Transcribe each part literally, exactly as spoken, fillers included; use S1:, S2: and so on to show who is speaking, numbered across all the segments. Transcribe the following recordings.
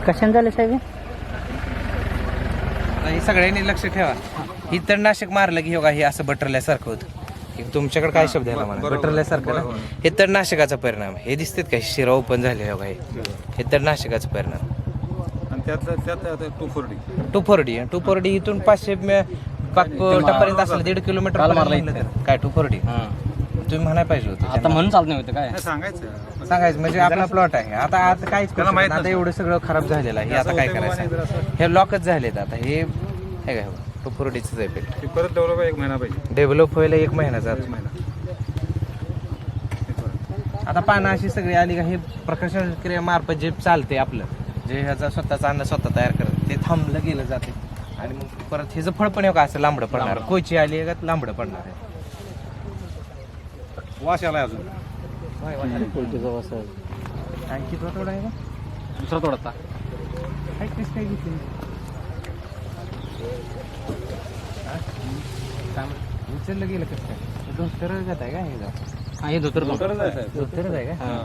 S1: कशाने झाले साहेब?
S2: हे सगळ्यांनी लक्ष ठेवा. ही तणनाशक मारलं की हे असं बटरल्यासारखं होतं. तुमच्याकडे काय शब्द आहे मला? बटरल्यासारखं ना, हे तणनाशकाचा परिणाम. हे दिसतात का शिरा ओपन झाले बघा, हे तणनाशकाचा परिणाम.
S3: आणि त्यातलं त्यात two forty
S2: two forty two forty इथून पाचशे टप्प्यापर्यंत असलं दीड किलोमीटर काय टू फोर्टी तुम्ही म्हणायला पाहिजे होतं.
S1: आता म्हणून चालत नाही होतं काय
S3: सांगायचं
S2: सांगायचं म्हणजे आपला प्लॉट आहे. आता आता काहीच करू शकत नाही. आता एवढं सगळं खराब झालेलं आहे. हे आता काय करायचं? हे लॉकच झालेत आता. हे हे काय टू फोर्टीचं इफेक्ट
S3: परत डेव्हलप एक महिना पाहिजे.
S2: डेव्हलप व्हायला एक महिना जातो. आता पानं अशी सगळी आली का हे प्रकाशन क्रियेमार्फत जे चालते आपलं, जे ह्याचा स्वतःचा अन्न स्वतः तयार करत ते थांबलं गेलं जाते. आणि मग परत ह्याचं फळ पण का असं लांबडं पडणार. कोची आली का लांबडं पडणार आहे.
S3: वास आलाय अजून.
S2: आणखी तो थोडा आहे का
S1: दुसरा तोडता
S2: काय कसं काय घेतली उचललं गेलं कसं काय? धोतर जात आहे का हे जात?
S1: हा हे धोतर
S3: धोतरच आहे साहेब.
S2: धोतरच आहे का?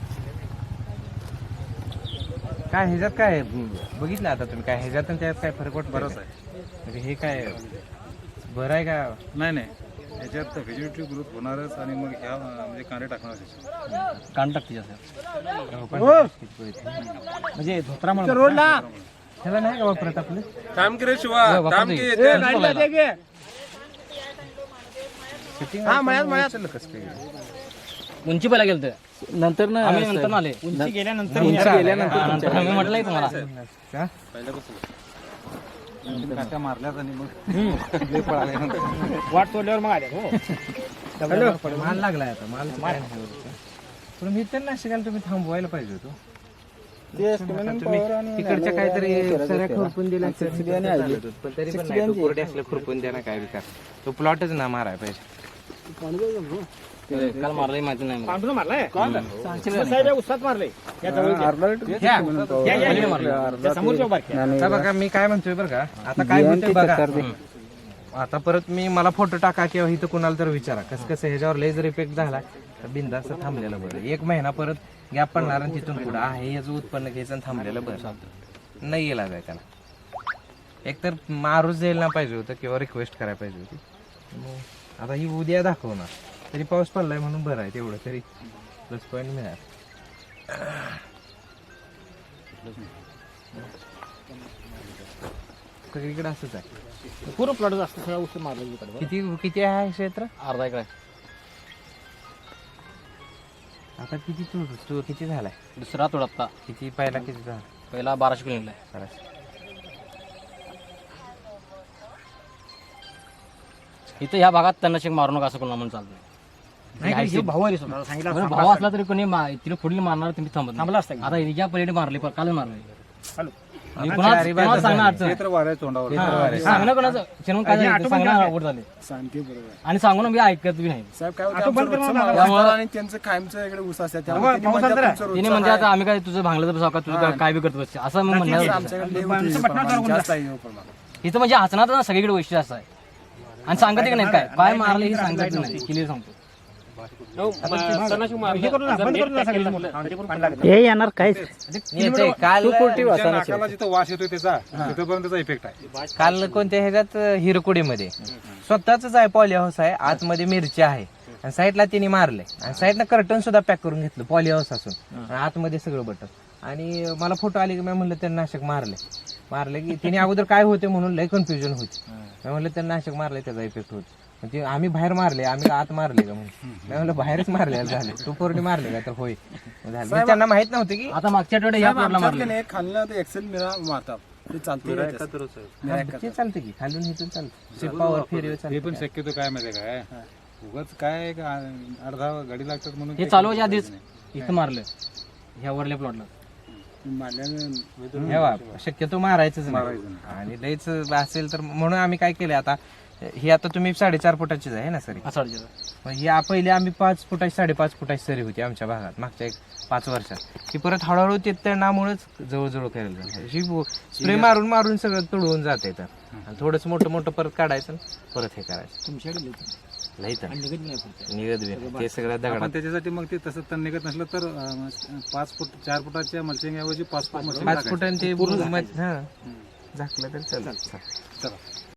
S2: काय ह्याच्यात काय बघितलं आता तुम्ही? काय ह्याच्यात आणि त्यात काय फरक वाटतो?
S3: बरंच आहे.
S2: म्हणजे हे काय बरं आहे का?
S3: नाही नाही याच्यात व्हेजिटेटिव्ह ग्रोथ होणारच. आणि मग ह्या म्हणजे कांदे टाकणार
S1: कान टाकते जास्त
S2: म्हणजे धोत्रामुळे रोडला ह्याला नाही का वापरत आपलं?
S3: काम की रे शिवा काम की
S2: उचललं कसं काय?
S1: उंची पहिला गेलं तर नंतर ना आम्ही नंतर आले उंची गेल्यानंतर गेल्यानंतर मी म्हटलंय तुम्हाला
S2: का?
S3: काट्या मारल्यात आणि मग पळाले
S1: वाट तोडल्यावर मग आले हो.
S2: माल लागलाय आता. माल पण मी त्यांना शिकायला तुम्ही थांबवायला पाहिजे होतो. तिकडच्या काहीतरी सऱ्या खुरपून दिल्या पण तरी पण नाही. कोरडे असले खुरपून द्या ना काय विकार. तो प्लॉटच ना माराय पाहिजे.
S1: काल मारलंय माहिती नाही मला.
S4: मारलाय उसात मारलंय
S2: बघा मी काय म्हणतोय बरं का, आता काय म्हणतोय बघा. आता परत मी मला फोटो टाका किंवा इथं कुणाला तर विचारा कसं कसं ह्याच्यावर लेझर इफेक्ट झाला तर बिंदास्त थांबलेलं बरं. एक महिना परत गॅप पडणार आणि तिथून पुढे आहे याचं उत्पन्न घ्यायचं आणि थांबलेलं बरं. नाही गेला जाय त्याला. एकतर मारूच द्यायला पाहिजे होतं किंवा रिक्वेस्ट करायला पाहिजे होती. आता ही उद्या दाखवणार तरी पाऊस पडलाय म्हणून बरं आहे. तेवढं तरी प्लस पॉईंट मिळाल. सगळीकडे असंच आहे.
S1: पूर्ण प्लॉट जास्त सगळा उस मारला.
S2: किती किती आहे क्षेत्र?
S1: अर्धा एकर
S2: आता किती तू तू किती झालाय?
S1: दुसरा तोडता
S2: किती पहिला किती झाला?
S1: पहिला बाराशे किलो निघलाय.
S2: बराच.
S1: इथं ह्या भागात तणनाशक मारू नका असं कोणाला म्हणून चालतंय. भाऊ आहे सांगितलं भाऊ असला तरी कोणी तिला पुढील मारणार तुम्ही थांबत थांबला असता. आता या पलीकडे मारले काल मारले सांगणार सांगणं कोणाचं चिरून काय सांगणं आवड झाले आणि सांगून मी ऐकत बी नाही.
S3: त्यांचं कायमचं इकडे ऊस असतात
S1: तिने म्हणजे आता आम्ही काय तुझं भांगलं तर का तुझं काय बी करत बसते असं मी म्हणणार. इथं म्हणजे हसणार ना सगळीकडे वैशिष्ट्य असं आहे. आणि सांगत की नाही काय काय मारले हे सांगत नाही. क्लिअर सांगतो.
S4: हे येणार काय
S2: काल
S3: नाकाला जिथं वास येतोय त्याचा तिथपर्यंत त्याचा इफेक्ट आहे.
S2: काल कोणत्या ह्याच्यात हिरकुडीमध्ये स्वतःच आहे पॉली हाऊस आहे. आतमध्ये मिरची आहे आणि साईडला तिने मारले आणि साईडला कर्टन सुद्धा पॅक करून घेतलं पॉली हाऊस असून आतमध्ये सगळं बटन. आणि मला फोटो आले की मी म्हणलं त्यांना नाशक मारले मारले की तिने अगोदर काय होते म्हणून लय कन्फ्युजन होती. मी म्हणलं त्यांना नाशक मारले त्याचा इफेक्ट होतो. म्हणजे आम्ही बाहेर मारले आम्ही आत मारले का म्हणून मी म्हणलं बाहेरच मारले झाले तू पोरणी मारले का तर होय झालं. त्यांना माहित नव्हते की
S1: आता मागच्या आठवड्यात या प्लॉटला मारले
S3: खाल्लं ते एक्सेल मिळा मारतात ते चालते
S2: ते चालतं की खालून इथून चालतं पावर फेरी
S3: हे पण शक्यतो काय माहिती काय उगाच काय अर्धा गाडी लागतात म्हणून
S1: हे चालवायच्या आधीच इथं मारलं ह्या वरल्या प्लॉटला
S2: शक्यतो मारायचंच नाही. आणि लयच असेल तर म्हणून आम्ही काय केलं आता ही आता तुम्ही साडेचार फुटाचीच आहे ना सरी?
S1: असं अडचण.
S2: मग ही आ- पहिले आम्ही पाच फुटाची साडेपाच फुटाची सरी होती आमच्या भागात मागच्या एक पाच वर्षात. ही परत हळूहळू ते तणामुळेच जवळजवळ करायला लागली. ही स्प्रे मारून मारून सगळं तुडवून जाते तर आणि थोडंसं मोठं मोठं परत काढायचं आणि परत हे करायचं.
S1: तुमच्याकडे
S2: लई तर
S1: निघत नाही पुढचं.
S2: निघत बी ते सगळं
S3: आपण
S2: दगडात
S3: त्याच्यासाठी मग ते तसं तण निघत नसलं तर अं, पाच फूट चार फुटाच्या मल्चिंग ऐवजी पाच फूट मल्चिंग
S2: पाच फुटांनी ते पूर्ण हा झाकलं तर चालेल.
S3: चला